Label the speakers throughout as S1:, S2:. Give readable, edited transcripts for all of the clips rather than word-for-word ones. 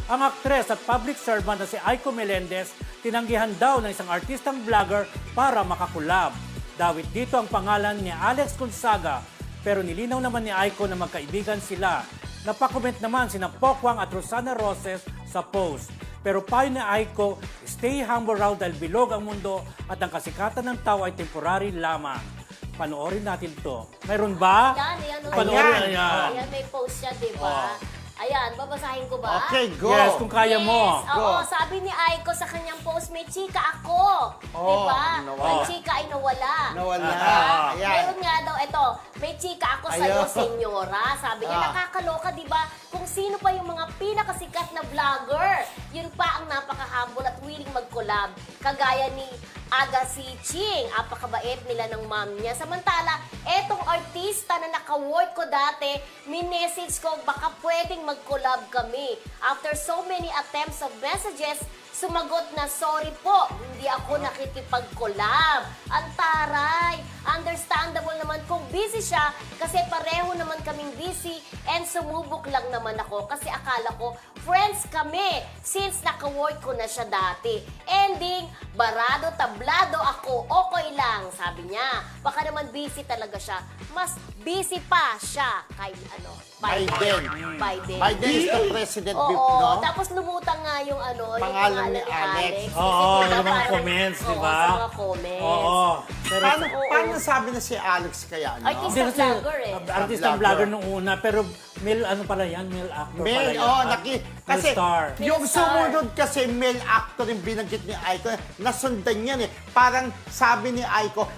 S1: Ang aktres at public servant na si Aiko Melendez tinanggihan daw ng isang artistang vlogger para makakulab. Dawit dito ang pangalan ni Alex Gonzaga, pero nilinaw naman ni Aiko na magkaibigan sila. Napakomment naman sina Pokwang at Rosana Roses sa post. Pero payo ni Aiko, stay humble raw dahil bilog ang mundo at ang kasikatan ng tao ay temporary lamang. Panoorin natin to. Mayroon ba?
S2: Ayan.
S1: Panoorin, ayan.
S2: Ayan, may post siya, di ba? Ayan, babasahin ko ba?
S3: Okay, go.
S1: Yes, kung kaya mo.
S2: Yes, oo, sabi ni Aiko sa kanyang post, may chika ako. Di ba?
S3: nawala.
S2: Ang chika ay nawala.
S3: Nawala.
S2: Diba?
S3: Ayan.
S2: Meron nga daw, ito, may chika ako sa'yo,
S3: Ayun.
S2: senyora. Sabi niya, nakakaloka, di ba? Kung sino pa yung mga pinakasikat na vlogger. Yun pa ang napaka-humble at willing mag-collab. Kagaya ni Agassi Ching. Apakabait nila ng mom niya. Samantala, etong artista na naka-work ko dati, minessage ko, baka pwedeng mag-collab kami. After so many attempts of messages, sumagot na, sorry po, hindi ako nakikipag-collab. Ang taray. Understandable naman kung busy siya kasi pareho naman kaming busy and sumubok lang naman ako kasi akala ko friends kami since naka-work ko na siya dati. Ending, barado, tablado ako, okay lang, sabi niya. Baka naman busy talaga siya. Mas busy pa siya kay
S3: Biden. Biden is the president,
S2: Oo,
S3: no?
S2: tapos lumutang nga yung yung
S3: Pangalan ni Alex.
S1: Oo,
S2: Kasi
S1: yung mga
S2: parang-
S1: comments, di
S2: Oo,
S1: ba?
S2: sa mga comments.
S1: Oo. Pero,
S3: Paano sabi na si Alex kaya, no?
S2: Artista
S1: hindi kasi
S2: vlogger eh.
S1: artistang
S3: Vlogger.
S1: vlogger nung una, pero male actor pala
S3: Male,
S1: yan.
S3: oh,
S1: At
S3: kasi
S1: star.
S3: yung
S2: Male star.
S3: sumunod kasi male actor yung binanggit ni Aiko, nasundan yan eh. Parang sabi ni Aiko,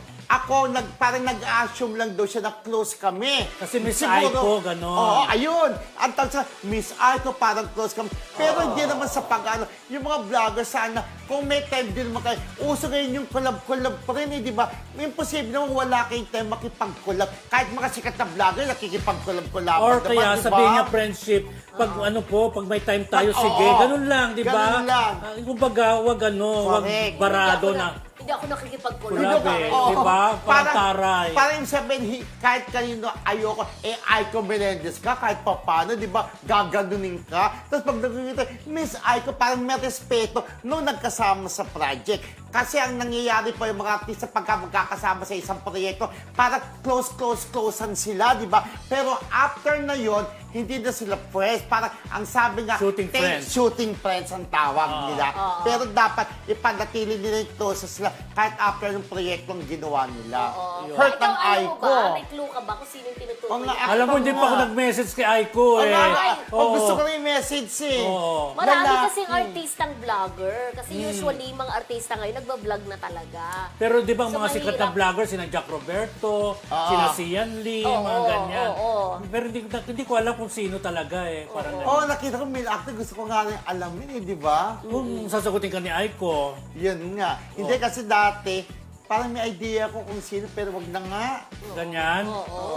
S3: parang nag-assume lang daw siya na close kami.
S1: Kasi Miss Aiko, ganon.
S3: Oo, ayun. Ang tawag sa Miss Aiko, parang close kami. Pero hindi naman sa pag-ano. Yung mga vlogger sana, kung may time din naman kayo, uso ngayon yung collab-collab pa rin eh, di ba? Imposible naman wala kayong time makipag-collab. Kahit mga sikat na vlogger, nakikipag-collab-collab.
S1: Or
S3: diba?
S1: kaya
S3: Diba?
S1: sabihin niya friendship, pag pag may time tayo,
S3: Oo,
S1: sige, ganun lang, di ba?
S3: ganun lang.
S1: Kumbaga, wag
S3: Correct.
S1: barado na.
S2: Hindi ako nakikipag-collab.
S1: Grabe, di ba? Parang taray.
S3: Parang sabihin, kahit kanino ayoko, Aiko Melendez ka, kahit pa paano, di ba, gaganunin ka. Tapos pag nakikita, Miss Aiko, parang may respeto nung nagkasama sa project. Kasi ang nangyayari po yung mga artista pagka magkakasama sa isang proyekto, parang closean sila, di ba? Pero after na yon, hindi na sila friends. Parang ang sabi nga, shooting friends ang tawag nila. Pero dapat ipanatili nila yung closeness sila kahit after ng proyektong ginawa nila. Hurt
S2: Ikaw,
S3: ang
S2: alam mo
S3: Aiko.
S2: ba? May clue ka ba kung sino yung tinutukoy
S3: Oo nga,
S2: niya?
S1: Alam mo, hindi pa ako nag-message kay Aiko eh.
S3: Gusto ko na yung message eh.
S1: Oo.
S2: Marami
S3: Lalaki.
S2: kasing artistang vlogger. Kasi usually, mga artista ngayon, nagbablog na talaga.
S1: Pero di ba ang
S2: So,
S1: mga sikat na
S2: mahirap.
S1: vlogger, sina Jack Roberto, sina Sian Lee, mga ganyan. Pero hindi ko alam kung sino talaga eh. Parang
S3: Oo, nakita ko male actor. Gusto ko nga rin alamin eh, di ba?
S1: kung sasagutin ka ni Aiko,
S3: Yun nga. Hindi kasi dati, parang may idea ko kung sino, pero wag na nga.
S1: ganyan.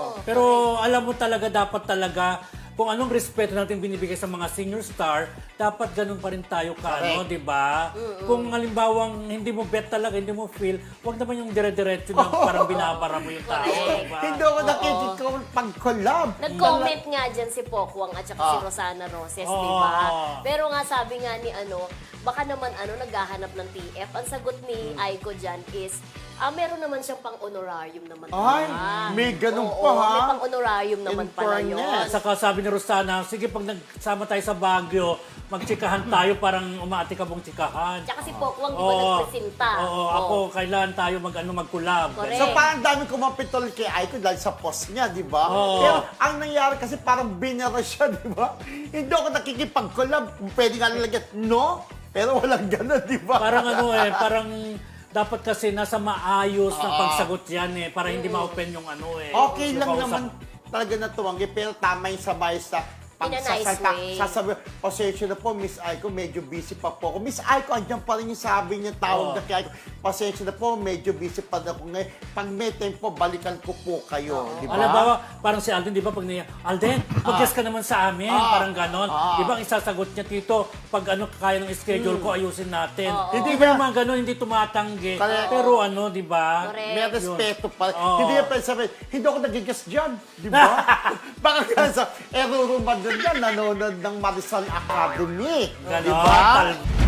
S1: Pero alam mo talaga, dapat talaga, kung anong respeto natin binibigay sa mga senior star, dapat ganun pa rin tayo di ba? Kung halimbawang hindi mo bet talaga, hindi mo feel, wag naman yung dire-diretso na parang binabara mo yung tao, di ba?
S3: Hindi ako nakikita pag-collab.
S2: Nag-comment nga dyan si Pokwang at saka si Rosana Roses, di ba? Pero nga sabi nga ni baka naman naghahanap ng TF. Ang sagot ni Aiko dyan is, meron naman siyang pang-honorarium naman.
S3: Ay, may ganun pa, ha?
S2: May pang-honorarium naman
S3: In
S2: pala yun.
S3: fairness.
S1: Saka sabi ni Rosana, sige pag nagsama tayo sa Baguio, magtsikahan tayo, parang umaati ka mong tsikahan.
S2: Tsaka si Pokwang, di ba nagpresenta?
S1: Oo, ako, kailangan tayo mag-collab.
S2: Correct.
S3: So parang dami kumapitol kay Aiko dahil sa post niya, di ba?
S1: Oo.
S3: Pero ang nangyari kasi parang binara siya, di ba? Hindi ako nakikipag-collab. Pwede nga lalagyan, no? Pero walang gano'n, di ba?
S1: Parang parang dapat kasi nasa maayos na pagsagot yan para hindi ma-open yung
S3: Okay
S1: yung
S3: lang
S1: kausap.
S3: naman talaga na tuwanggi, pero tama yung sabay sa
S2: In a nice way.
S3: sasabi, pasensya na po, Miss Aiko, medyo busy pa po ako. Miss Aiko, andyan pa rin yung sabi niya, tawag na kay Aiko. Pasensya na po, medyo busy pa na ako ngayon. Pag may time po, balikan ko po kayo, di ba?
S1: Alam ba, parang si Alden, di ba, pag niya, Alden, mag-guest ka naman sa amin, parang ganon. Di ba, ang isasagot niya, Tito, pag kaya ng schedule ko, ayusin natin. Hindi ba naman ganon, hindi tumatanggi.
S3: Correct.
S1: Pero di ba?
S2: Correct.
S3: May respeto pa.
S1: Oo.
S3: Hindi niya pa sabihin, hindi ako nag-guess dyan, di ba? Baka kasi, rurumad na nanonood yan, nanonood ng Marisol Academy.
S1: Ganon,
S3: Diba?
S1: tal-